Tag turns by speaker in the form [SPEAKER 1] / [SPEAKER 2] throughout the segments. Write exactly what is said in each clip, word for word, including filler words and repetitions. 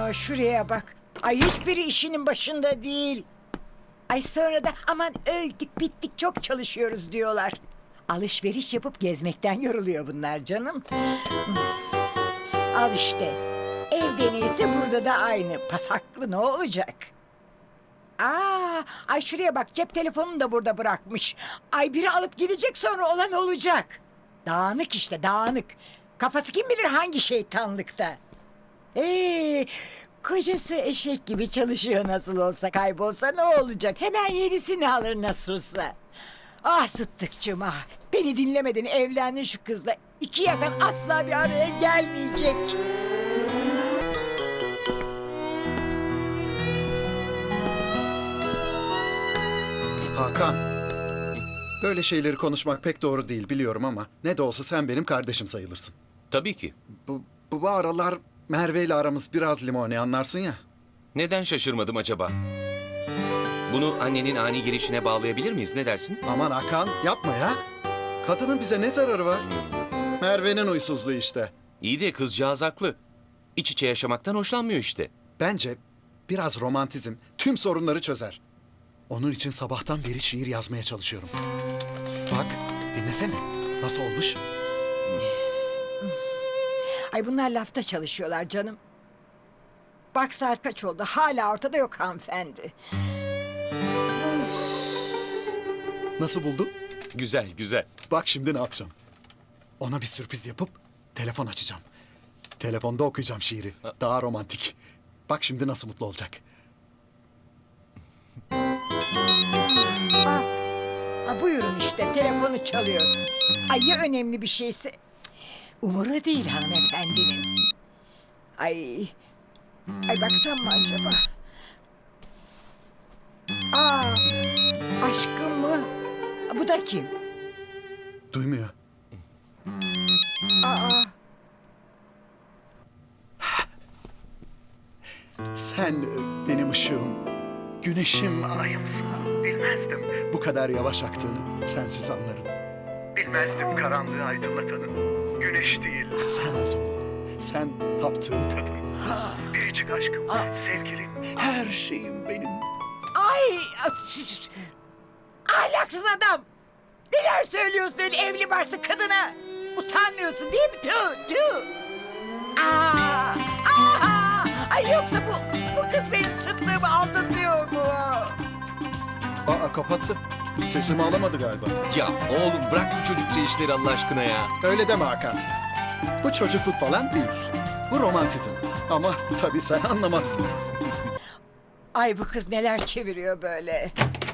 [SPEAKER 1] Aa, şuraya bak. Ay hiçbiri işinin başında değil. Ay sonra da aman öldük bittik çok çalışıyoruz diyorlar. Alışveriş yapıp gezmekten yoruluyor bunlar canım. Al işte. Evde neyse burada da aynı. Pasaklı ne olacak? Aa, ay şuraya bak cep telefonunu da burada bırakmış. Ay biri alıp gidecek sonra olan olacak. Dağınık işte dağınık. Kafası kim bilir hangi şeytanlıkta. Ee, kocası eşek gibi çalışıyor nasıl olsa kaybolsa ne olacak? Hemen yenisini alır nasılsa. Ah Sıddıkçığım ah. Beni dinlemedin evlendin şu kızla. İki yakan asla bir araya gelmeyecek.
[SPEAKER 2] Hakan, böyle şeyleri konuşmak pek doğru değil biliyorum ama ne de olsa sen benim kardeşim sayılırsın.
[SPEAKER 3] Tabii ki.
[SPEAKER 2] Bu, bu, bu aralar Merve ile aramız biraz limoni anlarsın ya.
[SPEAKER 3] Neden şaşırmadım acaba? Bunu annenin ani gelişine bağlayabilir miyiz? Ne dersin?
[SPEAKER 2] Aman Hakan yapma ya. Kadının bize ne zararı var? Merve'nin huysuzluğu işte.
[SPEAKER 3] İyi de kızcağız haklı. İç içe yaşamaktan hoşlanmıyor işte.
[SPEAKER 2] Bence biraz romantizm tüm sorunları çözer. Onun için sabahtan beri şiir yazmaya çalışıyorum. Bak, dinlesene. Nasıl olmuş?
[SPEAKER 1] Ay bunlar lafta çalışıyorlar canım. Bak saat kaç oldu hala ortada yok hanımefendi.
[SPEAKER 2] Nasıl buldun?
[SPEAKER 3] Güzel, güzel.
[SPEAKER 2] Bak şimdi ne yapacağım. Ona bir sürpriz yapıp telefon açacağım. Telefonda okuyacağım şiiri. Daha romantik. Bak şimdi nasıl mutlu olacak.
[SPEAKER 1] Aa, aa, buyurun işte telefonu çalıyor. Ay ya önemli bir şeyse. Umuru değil hanımefendinin. Ay, ay baksam mı acaba? Aa, aşkım mı? Bu da kim?
[SPEAKER 2] Duymuyor.
[SPEAKER 1] Aa,
[SPEAKER 2] Sen e, benim ışığım, güneşim, ayımsın. Bilmezdim bu kadar yavaş aktığını sensiz anlarım. Bilmezdim karanlığı aydınlatanın güneş değil sen olduğunu. Sen taptığım kadın. Biricik aşkım, sevgilim, her şeyim benim.
[SPEAKER 1] ay, ahlaksız adam. Neler söylüyorsun öyle evli barklı kadına? Utanmıyorsun değil mi? Tüh, tüh. Aa, aa, ay yoksa bu, bu kız benim sıtlığımı aldatıyor mu?
[SPEAKER 2] Aa kapattı. Sesimi alamadı galiba.
[SPEAKER 3] Ya oğlum bırak bu çocukça işleri Allah aşkına ya.
[SPEAKER 2] Öyle deme Hakan. Bu çocukluk falan değil. Bu romantizm. Ama tabii sen anlamazsın.
[SPEAKER 1] Ay bu kız neler çeviriyor böyle.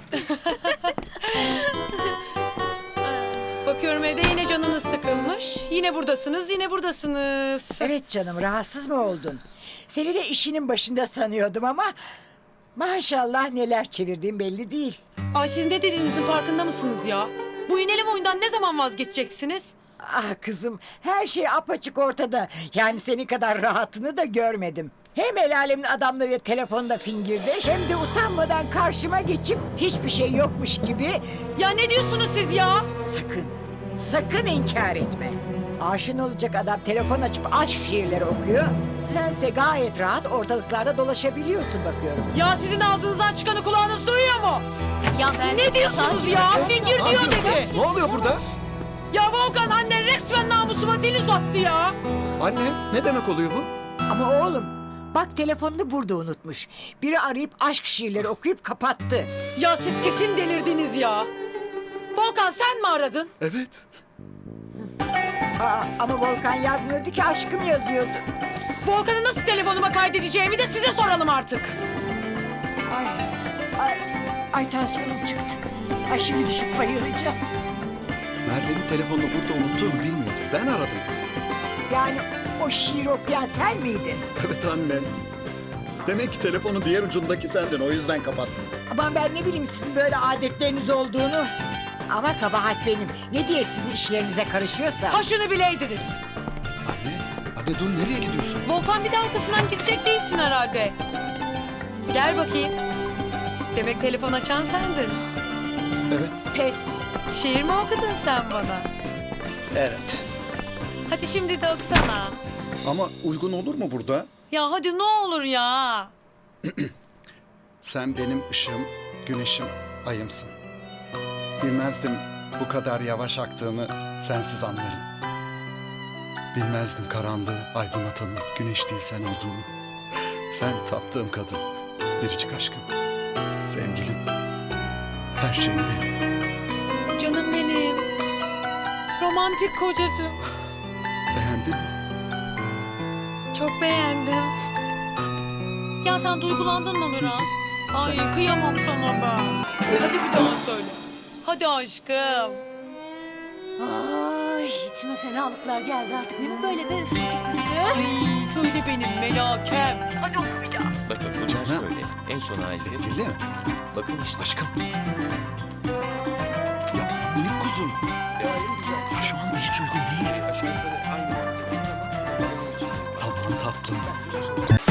[SPEAKER 4] Bakıyorum evde yine canınız sıkılmış. Yine buradasınız, yine buradasınız.
[SPEAKER 1] Evet canım rahatsız mı oldun? Seni de işinin başında sanıyordum ama... Maşallah neler çevirdiğim belli değil.
[SPEAKER 4] Ay siz ne dediğinizin farkında mısınız ya? Bu inelim oyundan ne zaman vazgeçeceksiniz?
[SPEAKER 1] Ah kızım her şey apaçık ortada. Yani senin kadar rahatını da görmedim. Hem el alemin adamlarıyla telefonda fingirdeş... ...hem de utanmadan karşıma geçip hiçbir şey yokmuş gibi...
[SPEAKER 4] Ya ne diyorsunuz siz ya?
[SPEAKER 1] Sakın, sakın inkar etme. Aşın olacak adam telefon açıp aşk şiirleri okuyor. Sense gayet rahat ortalıklarda dolaşabiliyorsun bakıyorum.
[SPEAKER 4] Ya sizin ağzınızdan çıkanı kulağınız duyuyor mu?
[SPEAKER 5] Ya ben
[SPEAKER 4] Ne diyorsunuz ya? Fingir
[SPEAKER 2] Ne
[SPEAKER 4] diyor
[SPEAKER 2] yapıyorsun?
[SPEAKER 4] dedi.
[SPEAKER 2] Ne oluyor burada?
[SPEAKER 4] Ya Volkan annen resmen namusuma dil uzattı ya.
[SPEAKER 2] Anne ne demek oluyor bu?
[SPEAKER 1] Ama oğlum bak telefonunu burada unutmuş. Biri arayıp aşk şiirleri okuyup kapattı.
[SPEAKER 4] Ya siz kesin delirdiniz ya. Volkan sen mi aradın?
[SPEAKER 2] Evet.
[SPEAKER 1] Aa, ama Volkan yazmıyordu ki aşkım yazıyordu.
[SPEAKER 4] Volkan'ı nasıl telefonuma kaydedeceğimi de size soralım artık.
[SPEAKER 1] Ay, ay, ay tansiyonum çıktı. Ay şimdi düşüp bayılacağım.
[SPEAKER 2] Merve'nin telefonunu burada unuttuğunu bilmiyordum. Ben aradım.
[SPEAKER 1] Yani o şiir okuyan sen miydin?
[SPEAKER 2] Evet anne. Demek ki telefonun diğer ucundaki sendin. O yüzden kapattım.
[SPEAKER 1] Aman ben ne bileyim sizin böyle adetleriniz olduğunu. Ama kabahat benim. Ne diye sizin işlerinize karışıyorsa.
[SPEAKER 4] Ha şunu bileydiniz.
[SPEAKER 2] Anne, anne dur nereye gidiyorsun?
[SPEAKER 4] Volkan bir de arkasından gidecek değilsin herhalde. Gel bakayım. Demek telefon açan sendin.
[SPEAKER 2] Evet.
[SPEAKER 4] Pes. Şiir mi okudun sen bana?
[SPEAKER 2] Evet.
[SPEAKER 4] Hadi şimdi de okusana.
[SPEAKER 2] Ama uygun olur mu burada?
[SPEAKER 4] Ya hadi ne olur ya.
[SPEAKER 2] Sen benim ışığım, güneşim, ayımsın. Bilmezdim bu kadar yavaş aktığını sensiz anlarım. Bilmezdim karanlığı aydınlatanın güneş değil sen olduğunu. Sen taptığım kadın, biricik aşkım, sevgilim, her şeyim benim.
[SPEAKER 4] Canım benim. Romantik kocacığım.
[SPEAKER 2] Beğendin mi?
[SPEAKER 4] Çok beğendim. Ya sen duygulandın mı biraz? Ay kıyamam sana ben. Hadi bir daha söyle. Hadi aşkım.
[SPEAKER 5] Ay içime fenalıklar geldi artık. Ne bu böyle be üstüne çıktı.
[SPEAKER 4] Ay söyle benim melakem.
[SPEAKER 3] Bakın bunlar şöyle. En son halde.
[SPEAKER 2] Sevgilim,
[SPEAKER 3] Bakın işte.
[SPEAKER 2] aşkım. Ya minik kuzum. Ya şu anda hiç uygun değil.
[SPEAKER 3] Aşağı yukarı aynı malzeme.
[SPEAKER 2] Tamam tatlım.